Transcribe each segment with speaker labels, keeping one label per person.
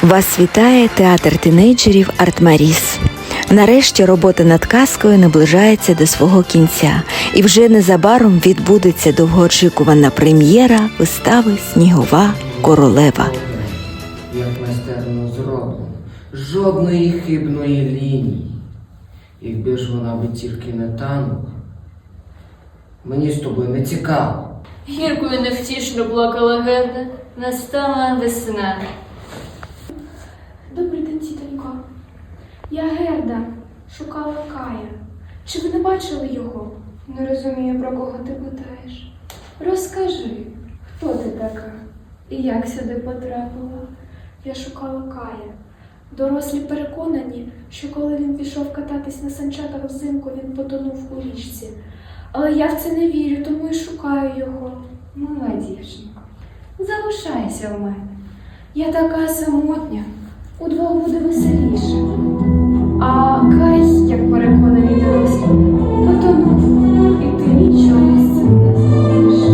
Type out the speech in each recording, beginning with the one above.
Speaker 1: Вас вітає театр тінейджерів «Артмаріс». Нарешті робота над казкою наближається до свого кінця, і вже незабаром відбудеться довгоочікувана прем'єра вистави «Снігова королева».
Speaker 2: Як майстерно зроблено. Жодної хибної лінії. Якби ж вона би тільки не танула. Мені з тобою не цікаво.
Speaker 3: Гірко і невтішно плакала Герда. Настала весна.
Speaker 4: Добрий день, тітонько. Я Герда, шукала Кая. Чи ви не бачили його? Не розумію, про кого ти питаєш. Розкажи, хто ти така і як сюди потрапила? Я шукала Кая. Дорослі переконані, що коли він пішов кататись на санчатах взимку, він потонув у річці. Але я в це не вірю, тому і шукаю його. Мила дівчинко, залишайся у мене. Я така самотня. Удвох буде веселіше. А Кай, як переконані дорослі, потонув, і ти нічого з цим не зробиш.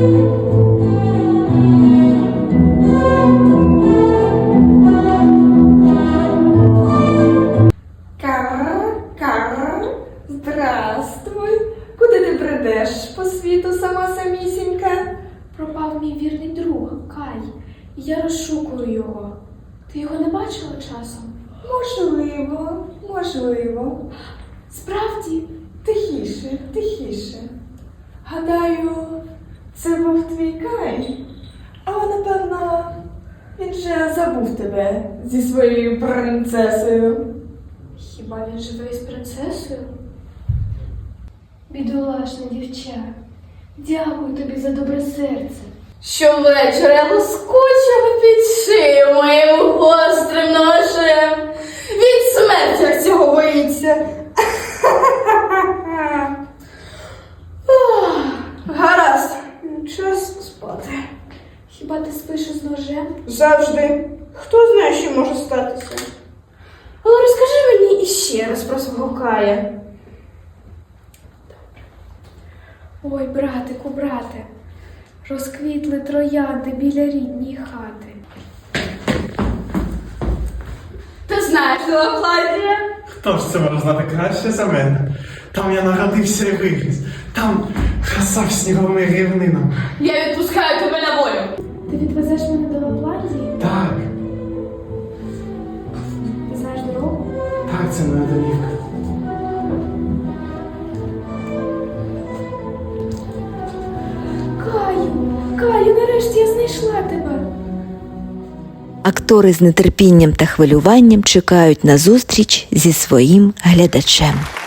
Speaker 5: Кара, здравствуй. Куди ти бредеш по світу сама самісінька?
Speaker 4: Пропав мій вірний друг, Кай, і я розшукую його. Ти його не бачила часом?
Speaker 5: Можливо.
Speaker 4: Справді?
Speaker 5: Тихіше. Гадаю, це був твій Кай. Але, напевно, він же забув тебе зі своєю принцесою.
Speaker 4: Хіба він живе із принцесою? Бідолашне дівча, дякую тобі за добре серце.
Speaker 3: Щовечора я лоскочила під шию моїм гострим ножем.
Speaker 5: Від смерті цього боїться. Гаразд, час спати.
Speaker 4: Хіба ти спиш із ножем?
Speaker 5: Завжди. Хто знає, що може статися. Але розкажи мені іще раз про свого Кая.
Speaker 4: Ой, брате, розквітли троянди біля рідній хати.
Speaker 5: Ти знаєш, Лапландія?
Speaker 6: Хто ж це може знати краще за мене? Там я народився і виріс. Там краса сніговими рівнинами.
Speaker 3: Я відпускаю тебе на волю.
Speaker 4: Ти відвезеш мене до Лапландії?
Speaker 6: Так,
Speaker 4: Ти знаєш дорогу?
Speaker 6: так, це моя домівка.
Speaker 4: Каю, нарешті я знайшла тебе.
Speaker 1: Актори з нетерпінням та хвилюванням чекають на зустріч зі своїм глядачем.